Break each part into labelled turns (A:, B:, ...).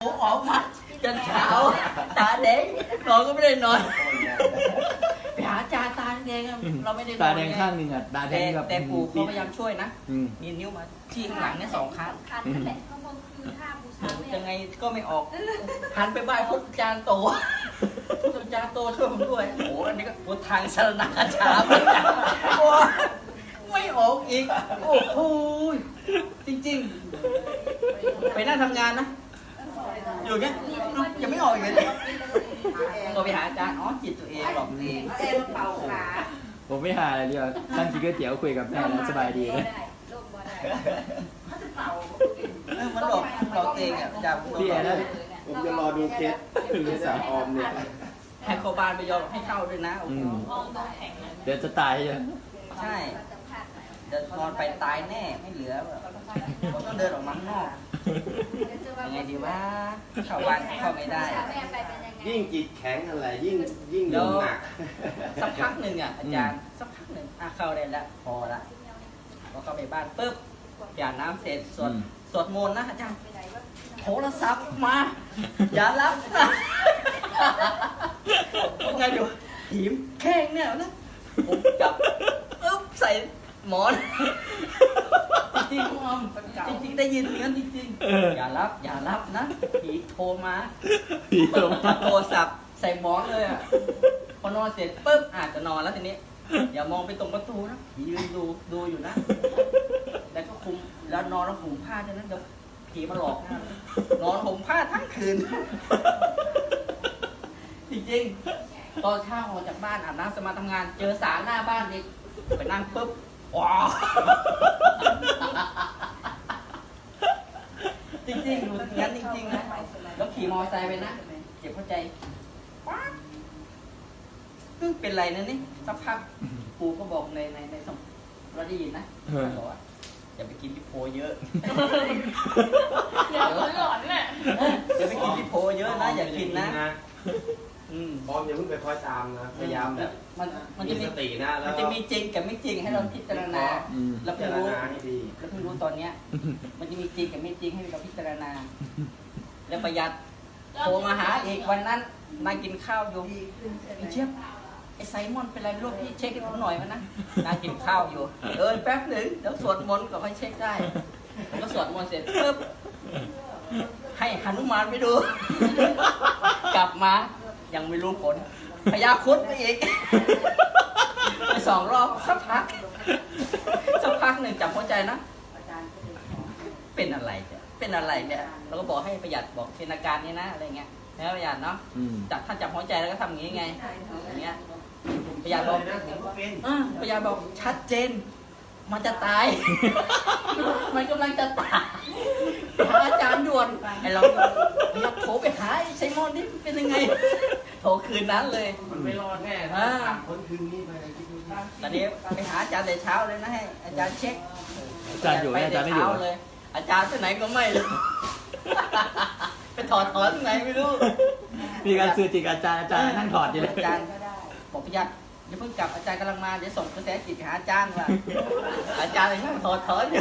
A: ผมออกมาจนเช้าตาแดงนอนก็ไม่ได้นอนไปหาอาจารย์ตาแดงอะเราไม่ได้นอน
B: ตาแดงข้างหนึ่งอ่ะตาแดงแบบ
A: แต่ปู่เขาพยายามช่วยนะ
B: อืม
A: มีนิ้วมาที่ข้างหลังเนี่ย2 ครั้ง
C: คันนั่นแหละข้างบนคือท่าบูชาเนี่
A: ยังไงก็ไม่ออกหันไปไหว้พุทธอาจารย์โตพุทธอาจารย์โตช่วยผมด้วยโอ้อันนี้ก็พุทธทางชรณาชาโอ้ไม่ออกอีกโอ้โหจริงๆไปนั่งทำงานนะอยู่เงี้ยยังไม่ออกอีกเลยตัวไปหาอาจารย์อ๋อจิตตัวเองหลอกตัวเอง
C: เอ็มเป่าขา
B: ผมไม่หาอะไรเดียวตั้งกินก๋วยเตี๋ยวคุยกับแม่แล้วสบายดีเลย
C: โลกบ่ได้เขาจะเป่า
A: มันหลอกตัวเองอ่ะจาก
B: พี่แอนนะ
D: ผมจะรอดูเคสหรือสาวออมเนี่ย
A: ให้เขาบานไปยอมให้เข้าด้วยนะโอ้โห
B: เดี๋ยวจะตายเลย
A: ใช่เดินนอนไปตายแน่ไม่เหลือแบบผมต้องเดินออกมาข้างนอกยังไงดีว่าเข้าบ้านเข้าไม่ได้
C: แม่ไปเป็นยังไง
D: ยิ่งจิตแข็งอะไรยิ่งโดนหนัก
A: สักพักหนึ่งอ่ะอาจารย์สักพักหนึ่งเข้าได้แล้วพอละพอเข้าไปบ้านปุ๊บอย่าน้ำเสร็จสวดมนต์นะอาจารย์โทรศัพท์มา อย่ารับนะไงดูหิมแข้งเนี่ยนะผมจับปึ๊บใส่หมอนจริงๆจริงๆได้ยินอย่างนั้นจริงๆอย่ารับนะผีโทรมา
B: พี่ตรง
A: โทรศัพท์ใส่หมอนเลยอ่ะพอนอนเสร็จปุ๊บอาจจะนอนแล้วทีนี้อย่ามองไปตรงประตูนะผียืนดูอยู่นะแล้วก็คุมแล้วนอนแล้วห่มผ้าฉะนั้นเดี๋ยวผีมาหลอกนะนอนห่มผ้าทั้งคืนจริงๆตอนเช้าออกจากบ้านอาบน้ำสมาทำงาน เจอสารหน้าบ้านอีกไปนั่งปุ๊บว้าวจริงๆดูงั้นจริงๆนะแล้วขี่มอเตอร์ไซค์ไปนะเจ็บหัวใจป๊าดเป็นไรนะนี่สักพักปูก็บอกในสมเราได้ยินนะบอกว่าอย่าไปกินที่โพเยอะ
C: เดี๋ยวหลอนแหละ
A: อย่าไปกินที่โพเยอะนะอย่ากินนะอืม
D: ออมอย่าเพิ่งไปคอยตามนะพยายามแบบ
A: มัน
D: มี
A: จะ
D: ส
A: มี
D: ตินะแล้ว
A: มันจะมีจริงกับไม่จริงให้เราพิจารณา แล้ว
D: พิ
A: เพิ่
D: จาง ร
A: รู้
D: ณาให้ดี
A: แล้วเพิ่งรู้ตอนเนี้ย มันจะมีจริงกับไม่จริงให้เราพิจารณา แล้วประหยัดโทรมาหาอีกวันนั้นนั่งกินข้าวอยู่พี่เจี๊ยบไอ้ไซมอนเป็นไรไม่รู้พี่เช็คให้ผมหน่อยมันนะนั่งกินข้าวอยู่แป๊บหนึ่งเดี๋ยวสวดมนต์ก็ค่อยเช็คได้ผมก็สวดมนต์เสร็จปุ๊บให้หนุมานไปดู กลับมายังไม่รู้ผลพยาครุดไปอีก ไป2 รอบสักพักหนึ่งจับหัวใจนะ เป็นอะไรเนี่ยเป็นอะไรเนี่ยเราก็บอกให้ประหยัดบอกเป็นอาการนี้นะอะไรเงี้ยนะประหยัดเนาะถ้าจับหัวใจแล้วก็ทำอย่างงี้ไงอย่างเงี้ยประหยัดบอกประหยัดบอกชัดเจน มันจะตาย มันกำลังจะตายหาอาจารย์ด่วนไอ้เราประหยัดโทรไปหาไอ้ไซมอนนี่เป็นยังไงโทรคืนนั้นเลย
D: มันไม่รอดแน่คนคืนนี้ไปคิดดู
A: ตอนนี้ไปหาอาจารย์แต่เช้าเลยนะให้อาจารย์เช็ค
B: อาจารย์อยู่ไหมอาจารย์ไม่อยู่
A: เลย อาจารย์ที่ไหนก็ไม่รู้ ไปถอดที่ไหนไม่รู้
B: มีการสื่อจิตอาจารย์นั่งถอดอยู่เลย
A: อาจารย์บอกประหยัดอย่าเพิ่งกลับอาจารย์กำลังมาเดี๋ยวส่งกระแสจิตไปหาอาจารย์ว่าอาจารย์เลยนั่งถอดอยู่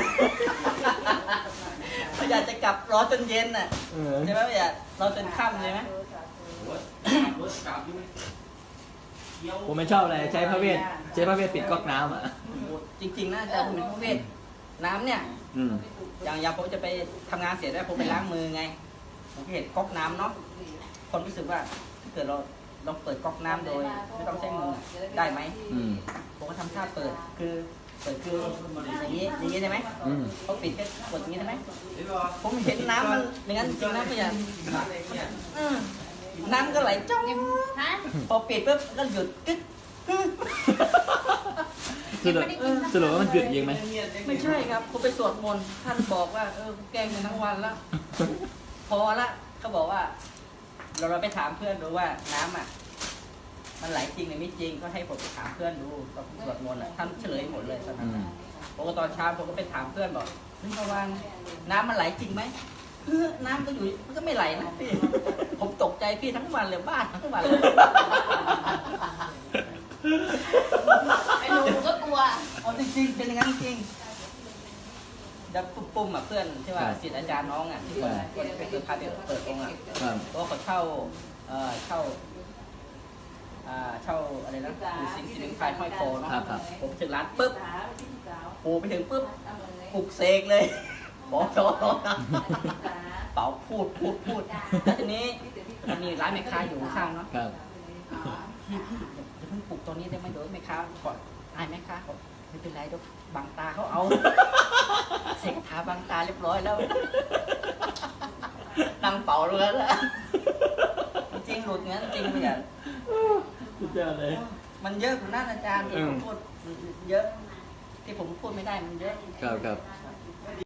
A: ประหยัดจะกลับรอจนเย็นน่ะใช่ไหมประหยัดรอจนค่ำเลยไหม
B: ผมไม่ชอบอะไรใช้พระเวทปิดก๊อกน้ำอ่ะ
A: จริงๆนะอาจารย์ผมเป็นพระเวทน้ำเนี่ย อย่างผมจะไปทำงานเสร็จแล้วผมไปล้างมือไงผมเห็นก๊อกน้ำเนาะคนรู้สึกว่าถ้าเกิดเราเปิดก๊อกน้ำโดยไม่ต้องใช้มือได้ไหมผมก็ทำท่าเปิดคืออย่างนี้ได้ไหมเขาปิดก็กดอย่างนี้ได้ไหมผมเห็นน้ำมันอย่างนั้นจริงนะพี่ยันน้ำก็ไหลจ้องพอปิดปุ๊บก็หยุดกึ๊ก
B: สรุปว่ามันหยุดยิงไหม
A: ไม่ใช่ครับผมไปสวดมนต์ท่านบอกว่าแกล้งกันทั้งวันแล้ว พอละเขาบอกว่า เราไปถามเพื่อนดูว่าน้ำอ่ะมันไหลจริงหรือไม่จริงก็ให้ผมไปถามเพื่อนดูตอนสวดมนต์ท่านเฉลยหมดเลยตอนนั้นผมก็ตอนเช้าผมก็ไปถามเพื่อนบอกนี่ระวังน้ำมันไหลจริงไหมน้ำก็อยู่มันก็ไม่ไหลนะพี่ผมตกใจพี่ทั้งวันเลยบ้านทั้งวันเลย
C: ไอ้หนูก็กลัว
A: อ๋อจริงๆเป็นอย่างนั้นจริงแล้วปุ้มๆอ่ะเพื่อนที่ว่าศิษย์อาจารย์น้องอ่ะที่ว่าคนไปพาไปเปิดองค์อ่ะ
B: ครับ
A: เพราะว่าเขาเช่าเช่าอะไรนะอยู่สิงห์ไฟห้อยโพเนาะ
B: ครับครับ
A: ผมถึงร้านปุ๊บโผล่ไปถึงปุ๊บปลุกเสกเลยบอกโตเป่าพูดแล้วทีนี้มันมีร้านแม่ค้าอยู่ข้างเนาะ
B: ครับ
A: พี่อย่าเพิ่งปลุกตอนนี้ได้ไหมเดี๋ยวแม่ค้าก่อนอายแม่ค้าบอกไม่เป็นไรเดี๋ยวบังตาเขาเอาเสกทาบังตาเรียบร้อยแล้วนั่งเป่าเลยแล้วจริงหลุดงั้นจริงไม่อยาก
B: สุดยอดเลย
A: มันเยอะกว่านั้นอาจารย์ที่ผมพูดเยอะ ที่ผมพูดไม่ได้มันเยอะ
B: ครับครับ
A: เ